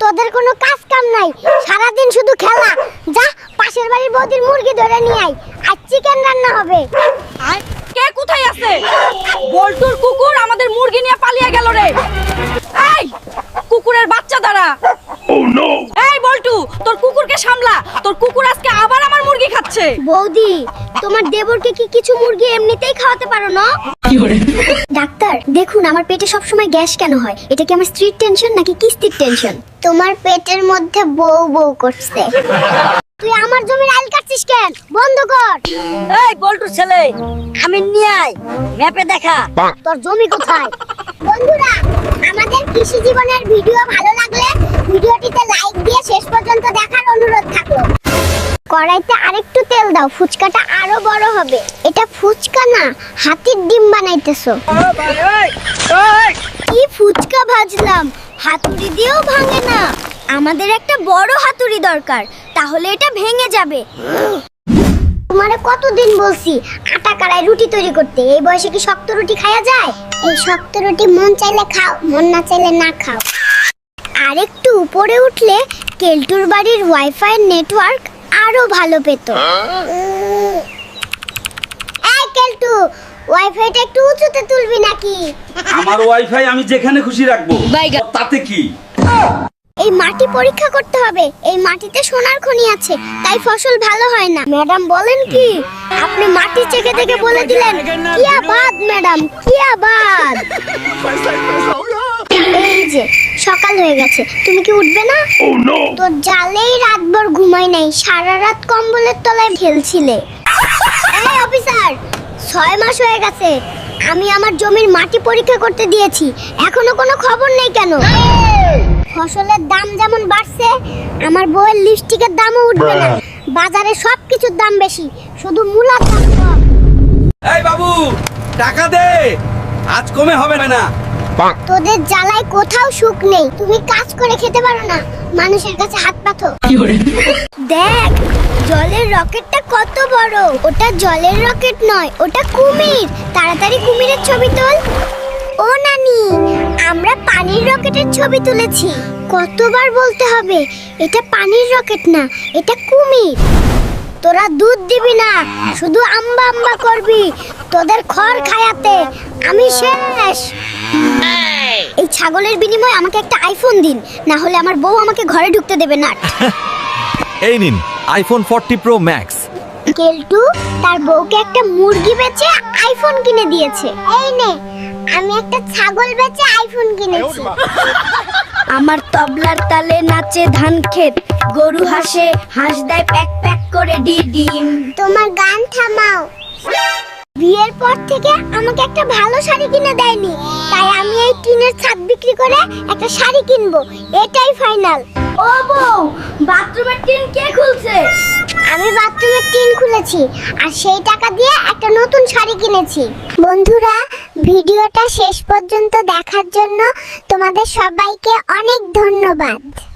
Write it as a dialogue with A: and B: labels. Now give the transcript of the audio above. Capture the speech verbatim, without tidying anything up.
A: তোদের কোনো কাজ কাম নাই, সারাদিন শুধু খেলা। যা পাশের বাড়ির বৌদির মুরগি ধরে নিয়ে আয়, আর চিকেন রান্না হবে।
B: কে কোথায় আছে? বল্টুর কুকুর আমাদের মুরগি নিয়ে পালিয়ে গেল রে। এই কুকুরের বাচ্চা দাঁড়া।
C: Oh no!
B: এই বল্টু, তোর কুকুরকে সামলা, তোর কুকুর আজকে আবার আমার মুরগি খাচ্ছে।
A: বৌদি, তোমার দেবরকে কি কিছু মুরগি এমনিতেই খাওয়াতে পারো না? ডাক্তার দেখুন, আমার পেটে সব সময় গ্যাস কেন হয়? এটা কি আমার স্ত্রীর টেনশন নাকি কিস্তির টেনশন? তোমার পেটের মধ্যে বউ বউ করছে। তুই আমার জমির আইল কাটছিস কেন? বন্ধ কর।
B: এই বল্টুর ছেলে, আমি নিয়ে আয়, ম্যাপে দেখা
A: তোর জমি কোথায়? বন্ধুরা, আমাদের কৃষি জীবনের ভিডিও ভালো লাগলে ভিডিওটিতে লাইক দিয়ে শেষ পর্যন্ত দেখার অনুরোধ থাকলো। কড়াইতে আরেকটু তেল দাও, ফুচকাটা আরো বড় হবে। এটা ফুচকা না, হাতির ডিম বানাইতেছো। কি ফুচকা ভাজলাম, হাতুড়ি দিয়েও ভাঙে না। আমাদের একটা বড় হাতুড়ি দরকার, তাহলে এটা ভেঙে যাবে। তোমারে কতদিন বলছি আটা কারায় রুটি তৈরি করতে, এই বয়সে কি শক্ত রুটি খাওয়া যায়? এই শক্ত রুটি মন চাইলে খাও, মন না চাইলে না খাও। আরেকটু উপরে উঠলে কেলটুর বাড়ির ওয়াইফাই নেটওয়ার্ক আরো ভালো পেত। এই কেলটু, ওয়াইফাইটা একটু উঁচুতে তুলবি নাকি?
C: আমার ওয়াইফাই আমি যেখানে খুশি রাখবো, তাতে কি?
A: এই মাটি পরীক্ষা করতে হবে, এই মাটিতে সোনার খনি আছে, তাই ফসল ভালো হয় না। ম্যাডাম বলেন কি? আপনি মাটি চেকে দেখে বলে দিলেন কি আবাদ ম্যাডাম, কি আবাদ। এই যে সকাল হয়ে গেছে, তুমি কি উঠবে না?
C: Oh no!
A: তোর জালেই রাতভর ঘুমাই নাই, সারা রাত কম্বলের তলায় খেলছিলে। এই অফিসার, ছয় মাস হয়ে গেছে আমি আমার জমির মাটি পরীক্ষা করতে দিয়েছি, এখনো কোনো খবর নেই কেন? ফসলের দাম যেমন বাড়ছে, আমার বউয়ের লিপস্টিকের দামও উঠবে না। বাজারে সবকিছুর দাম বেশি, শুধু মূলার দাম কম।
C: এই বাবু, টাকা দে, আজ কমে হবে না।
A: তোদের জ্বালায় কোথাও সুখ নেই, তুমি কাজ করে খেতে পারো না, মানুষের কাছে হাত পাতো। দেখ জলের রকেটটা কত বড়। ওটা জলের রকেট নয়, ওটা কুমির। তাড়াতাড়ি কুমিরের ছবি তোল। ও নানি, আমরা পানির রকেটের ছবি তুলেছি। কতবার বলতে হবে, এটা পানির রকেট না, এটা কুমির। তোরা দুধ দিবি না, শুধু আম্বা আম্বা করবি। তোদের খড় খায়াতে আমি শেষ। এই ছাগলের বিনিময়ে আমাকে একটা আইফোন দিন, না হলে আমার বউ আমাকে ঘরে ঢুকতে দেবে না।
D: এই নিন আইফোন ফর্টি প্রো ম্যাক্স।
A: কেলটু তার বউকে একটা মুরগি বেচে আইফোন কিনে দিয়েছে। এই নে, আমি একটা ছাগল বেচে আইফোন কিনেছি।
E: আমার তবলার তালে নাচে ধান ক্ষেত, গরু হাসে, হাঁস দেয় প্যাক প্যাক করে ডিম।
A: তোমার গান থামাও। বিয়ের পর থেকে আমাকে একটা ভালো শাড়ি কিনে দেয়নি, তাই আমি এই টিনের ছাদ বিক্রি করে একটা শাড়ি কিনবো, এটাই ফাইনাল।
E: ও বউ, বাথরুমের টিন কে খুলছে?
A: আমি বাথরুমের টিন খুলেছি, আর সেই টাকা দিয়ে একটা নতুন শাড়ি কিনেছি। বন্ধুরা, ভিডিওটা শেষ পর্যন্ত দেখার জন্য তোমাদের সবাইকে অনেক ধন্যবাদ।